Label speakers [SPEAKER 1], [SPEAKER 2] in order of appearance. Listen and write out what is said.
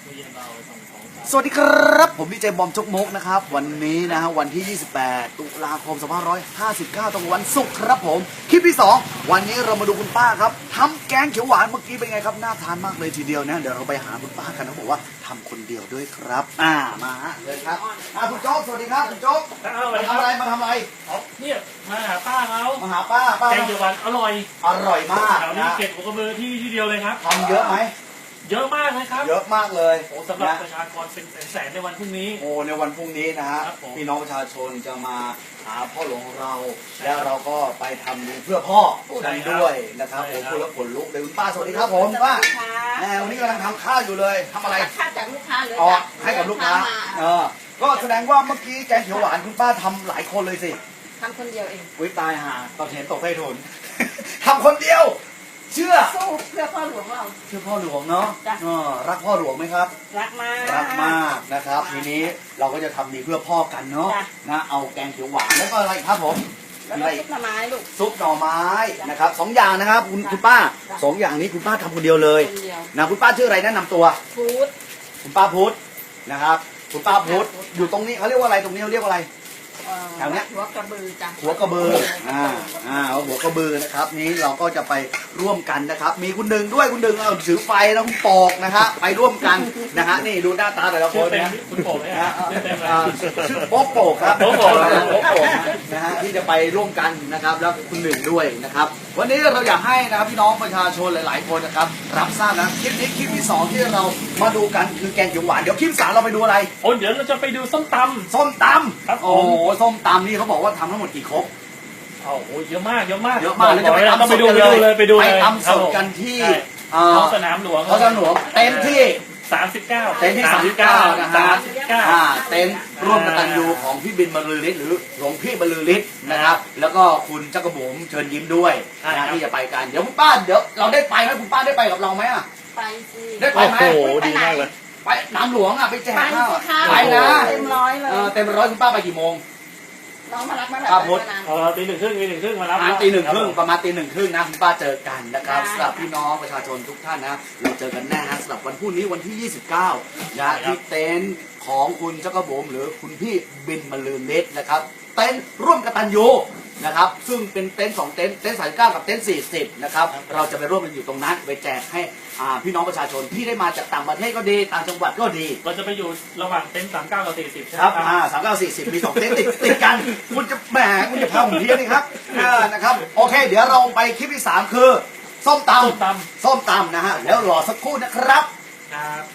[SPEAKER 1] สวัสดีครับผมดีเจบอมจกมกนะครับวันนี้นะฮะวันที่ 28 ตุลาคม 2559 ตรงวันศุกร์ครับผมคลิปที่ 2 วันนี้เรามาดูคุณป้าครับทำแกงเขียวหวานเมื่อกี้เป็นไงครับน่าทานมากเลยทีเดียวนะเดี๋ยวเราไปหาคุณป้ากันเขาบอกว่าทำคนเดียวด้วยครับมาเลยครับคุณโจ๊กสวัสดีครับคุณโจ๊กมาทำอะไร
[SPEAKER 2] เนี่ยมาหาป้าเขา
[SPEAKER 1] มาหาป้า
[SPEAKER 2] แกงเขียวหวานอร่อย
[SPEAKER 1] มาก
[SPEAKER 2] แถวนี้เก็บหัวกระเบือที่เดียวเลยครับ
[SPEAKER 1] ทำเยอะไหม
[SPEAKER 2] เยอะมากเลยครับ
[SPEAKER 1] เยอะมากเลย
[SPEAKER 2] โอ้สำหรับประชากรเป็นแสนในวันพรุ่งนี้
[SPEAKER 1] โอ้ในวันพรุ่งนี้นะฮะพี่น้องประชาชนจะมาหาพ่อหลวงของเราแล้วเราก็ไปทำดีเพื่อพ่อกันด้วยนะครับผมคุณละผลลุกเลยคุณป้าสวัสดีครับผมป้าวันนี้กำลังทำข้าวอยู่เลยทำอะไร
[SPEAKER 3] ข้าวจากลูกค้าเลย
[SPEAKER 1] ให้กับลูกค้าก็แสดงว่าเมื่อกี้แกงเขียวหวานคุณป้าทำหลายคนเลยสิ
[SPEAKER 3] ทำคนเดียวเอง
[SPEAKER 1] วิตายหาตอนเห็นตกใต้ถุนทำคนเดียวเชื่อ
[SPEAKER 3] สู้เพื่อพ่อหลวงเรา
[SPEAKER 1] เชื่อพ่อหลวงเนาะรักพ่อหลวงไหมครับ
[SPEAKER 3] รักมาก
[SPEAKER 1] นะครับทีนี้เราก็จะทำดีเพื่อพ่อกันเนาะนะเอาแกงเขียวหวานแล้วก็อะไรครับผม
[SPEAKER 3] แล้วก็ซุปหน่อไม้ลูก
[SPEAKER 1] ซุปหน่อไม้นะครับ2 อย่างนะครับคุณป้า2 อย่างนี้คุณป้าทำคนเดียวเลยนะคุณป้าชื่ออะไรแนะนำตัว
[SPEAKER 3] พุทธ
[SPEAKER 1] คุณป้าพุทธนะครับคุณป้าพุทธอยู่ตรงนี้เขาเรียกว่าอะไรตรงนี้เขาเรียกว่าอะไรแถวนี้
[SPEAKER 3] หัวกระบือจ้ะ
[SPEAKER 1] หัวกระบือหัวกระบือนะครับนี้เราก็จะไปร่วมกันนะครับมีคุณดึงด้วยคุณดึงถือไฟแล้วคุณปอกนะครับไปร่วมกันนะฮะนี่ดูหน้าตาแต่ละคนนะ
[SPEAKER 2] คุณโป่งเลยฮะ
[SPEAKER 1] ชื่อโป๊กโป่ครับโป๊กโป่นะฮะที่จะไปร่วมกันนะครับแล้วคุณหนึ่งด้วยนะครับวันนี้เราอยากให้นะครับพี่น้องประชาชนหลายๆคนนะครับรับทราบนะคลิปนี้คลิปที่2ที่เรามาดูกันคือแกงเขียวหวานเดี๋ยวคลิป3เราไปดูอะไร
[SPEAKER 2] เดี๋ยวเราจะไปดูส้มตำ
[SPEAKER 1] ครับโอ้ส้มตำนี่เขาบอกว่าทำทั้งหมดกี่ครก
[SPEAKER 2] โอ้เยอะมากแล้ว
[SPEAKER 1] จะไป
[SPEAKER 2] ไปดูเลย
[SPEAKER 1] ไปทำสดกันที่
[SPEAKER 2] ท้องสนามหลวง
[SPEAKER 1] เต็มที่
[SPEAKER 2] 39
[SPEAKER 1] เต็นท์ที่39นะฮะเต็นท์ร่วมกตัญญูของพี่บินบรรลือฤทธิ์หรือหลวงพี่บรรลือฤทธิ์นะครับแล้วก็คุณจักรบุ๋มเชิญยิ้มด้วยนะที่จะไปกันเดี๋ยวคุณป้าเดี๋ยวเราได้ไปไหมคุณป้าได้ไปกับเราไหม
[SPEAKER 3] ไปสิ
[SPEAKER 1] ได้ไปไหม
[SPEAKER 2] โอ้โหดีมากเลย
[SPEAKER 1] ไปน้ำหลวงไปแจกข้าวไปนะ
[SPEAKER 3] เต็มร้อยเลย
[SPEAKER 1] เต็มร้อยคุณป้าไปกี่โมง
[SPEAKER 3] น้องมารับมา
[SPEAKER 1] ครับพุทธ
[SPEAKER 2] ตี 1:30มารับ
[SPEAKER 1] ตี 1:30ประมาณตี 1:30นะคุณป้าเจอกันนะครับสำหรับพี่น้องประชาชนทุกท่านนะเราเจอกันแน่นะสำหรับวันพรุ่งนี้วันที่29นะที่เต็นท์ของคุณจักรบุ๋มหรือคุณพี่บินบรรลือฤทธิ์นะครับเต็นท์ร่วมกตัญญูนะครับซึ่งเป็นเต็นท์2เต็นท์39กับเต็นท์40นะครับเราจะไปร่วมกันอยู่ตรงนั้นไปแจกให้พี่น้องประชาชนที่ได้มาจากต่างประเทศก็ดีต่างจังหวัดก็ดี
[SPEAKER 2] เราจะไปอยู่ระหว่างเต็นท์39กับ40ใช่ไหม
[SPEAKER 1] ครับ39 40มี2เต็นท์ติดกันคุณจะแหมคุณจะพาผมเพี้ยนนี่ครับนะครับโอเคเดี๋ยวเราไปคลิปที่3คือส้มตำนะฮะแล้วรอสักครู่นะครับ